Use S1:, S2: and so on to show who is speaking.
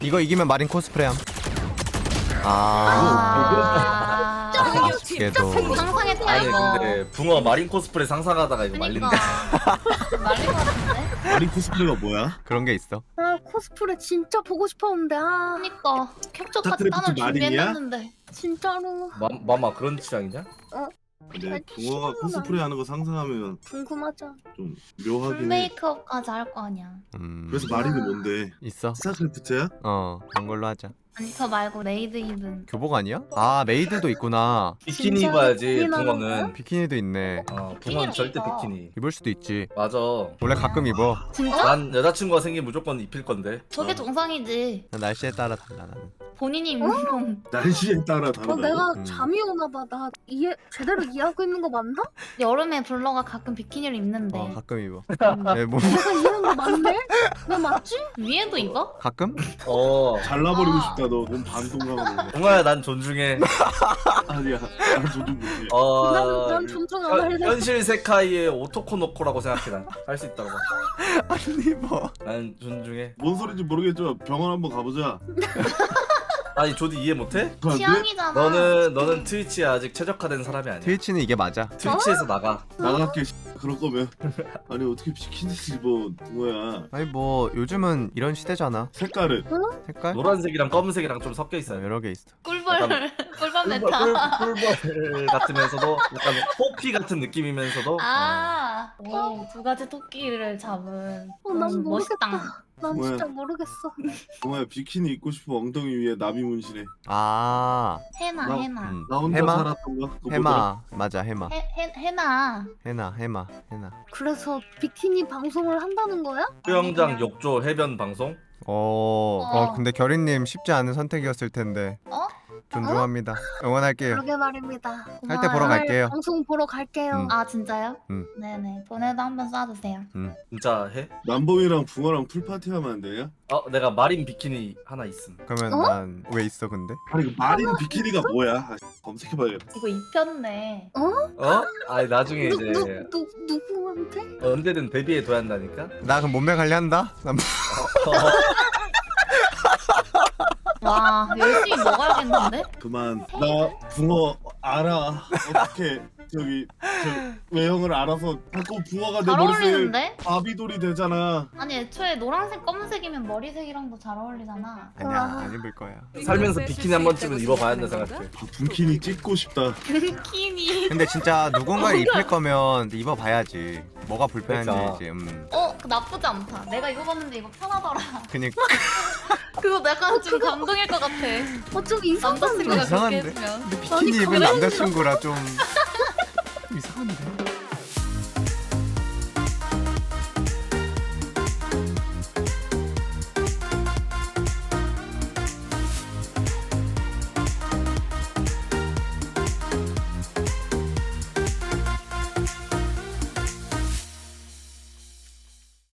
S1: 이거 이기면 마린 코스프레함. 걔도
S2: 상상했다
S3: 아니
S2: 이거.
S3: 근데 붕어 마린 코스프레 상상하다가 이거
S2: 그니까
S3: 말린다.
S2: 말린 것 같은데?
S4: 마린 코스프레가 뭐야?
S1: 그런 게 있어.
S5: 아 코스프레 진짜 보고 싶었는데 아
S2: 그니까 캡처
S4: 스타크래프트
S2: 카드는
S4: 마린이야?
S2: 준비했는데.
S5: 진짜로
S3: 마마 그런 취향이냐?
S4: 근데
S5: 아니,
S4: 붕어가
S5: 싫어요.
S4: 코스프레 하는 거 상상하면
S5: 궁금하죠.
S4: 좀 묘하긴 해.
S2: 메이크업까지 할 거 아니야.
S4: 그래서 마린이 뭔데?
S1: 있어.
S4: 스타크래프트야?
S1: 그런 걸로 하자.
S2: 아니 저 말고 레이드 입은.
S1: 교복 아니야? 아 메이드도 있구나.
S3: 비키니
S5: 진짜
S3: 입어야지
S5: 비키니
S3: 붕어는.
S1: 비키니도 있네.
S3: 붕어는
S2: 비키니를
S3: 절대
S2: 입어.
S3: 비키니.
S1: 입을 수도 있지.
S3: 맞아.
S1: 원래 가끔 입어.
S5: 진짜?
S3: 난 여자친구가 생기면 무조건 입힐 건데.
S2: 저게 정상이지.
S1: 날씨에 따라 달라 나는.
S2: 본인이 입는 건
S4: 날씨에 따라 다르다고?
S5: 내가
S1: 음.
S5: 잠이 오나 봐. 나 제대로 이해하고 있는 거 맞나?
S2: 여름에 블러가 가끔 비키니를 입는데
S1: 가끔 입어.
S2: 음.
S1: 네, 뭐
S5: 내가 이해한 거 맞네? 왜 맞지?
S2: 위에도 입어?
S1: 가끔?
S4: 잘라버리고
S2: 아.
S4: 싶다. 너 몸 반동감으로.
S3: 붕어야 난 존중해.
S4: 아니야. 난 조준 못해.
S5: 난 존중 안 할래.
S3: 현실 세카이의 오토코노코라고 생각해 난. 할 수 있다고 봐.
S1: 안 입어.
S3: 난 존중해.
S4: 뭔 소리인지 모르겠지만 병원 한번 가보자.
S3: 아니 조디 이해 못해?
S4: 그거 안 돼?
S2: 취향이잖아.
S3: 너는 트위치에 아직 최적화된 사람이 아니야.
S1: 트위치는 이게 맞아.
S3: 트위치에서 나가.
S4: 나갈게. 그럴 거면. 아니 어떻게 비키니 입어 붕어야.
S1: 아니 뭐 요즘은 이런 시대잖아.
S4: 색깔은?
S1: 색깔?
S3: 노란색이랑 검은색이랑 좀 섞여 있어요.
S1: 여러 개 있어.
S2: 꿀벌 꿀벌 메타.
S3: 꿀벌 같으면서도 약간 호피 같은 느낌이면서도
S2: 두 가지 토끼를 잡은.
S5: 난 모르겠다.
S2: 멋있다.
S5: 난
S4: 뭐야?
S5: 진짜 모르겠어.
S4: 붕어야 비키니 입고 싶어 엉덩이 위에 나비 문신해.
S1: 아
S2: 해나
S4: 나-
S2: 해나.
S4: 나 혼자
S1: 해마?
S4: 살았던 거? 그거 뭐더라?
S1: 해마 맞아 해마.
S2: 해나.
S1: 해나.
S5: 그래서 비키니 방송을 한다는 거야?
S3: 수영장 욕조 해변 방송.
S1: 근데 결이님 쉽지 않은 선택이었을 텐데.
S2: 어?
S1: 존중합니다. 응원할게요.
S5: 그러게 말입니다.
S1: 할 때 보러
S2: 고마워요.
S1: 갈게요.
S5: 방송 보러 갈게요.
S2: 아 진짜요?
S1: 음.
S2: 네네. 돈에도 한번 쏴주세요.
S3: 진짜 해?
S4: 남봉이랑 붕어랑 풀파티 하면 안 되냐?
S3: 내가 마린 비키니 하나 있음.
S1: 그러면 난 왜 있어 근데?
S4: 아니 그 마린 비키니가 뭐야? 아, 검색해봐야겠다.
S2: 이거 입혔네.
S3: 아니 나중에 이제
S5: 누구한테?
S3: 언제든 데뷔해둬야 한다니까.
S1: 나 그럼 몸매 관리한다? 난
S2: 와 열심히 먹어야겠는데?
S4: 그만. 나 붕어 알아. 어떻게 저기 외형을 알아서 자꾸 붕어가 내
S2: 잘
S4: 머릿속에
S2: 어울리는데?
S4: 바비돌이 되잖아.
S2: 아니 애초에 노란색 검은색이면 머리색이랑도 잘 어울리잖아.
S1: 아니야 안 입을 거야.
S3: 살면서 비키니 한 번쯤은 입어봐야 한다 생각해.
S4: 분키니 찍고 싶다.
S2: 비키니.
S1: 근데 진짜 누군가를 입힐 거면 입어봐야지. 뭐가 불편한지
S3: 그러니까.
S1: 이제.
S2: 그거 나쁘지 않다. 내가 입어봤는데 이거 편하더라.
S1: 그니까
S2: 그거 약간 좀 감동일 것 같아.
S5: 좀 이상한데?
S2: 남자친구가 그렇게
S1: 이상한데?
S2: 했으면.
S1: 비키니 입은 남자친구라 좀 이상한데.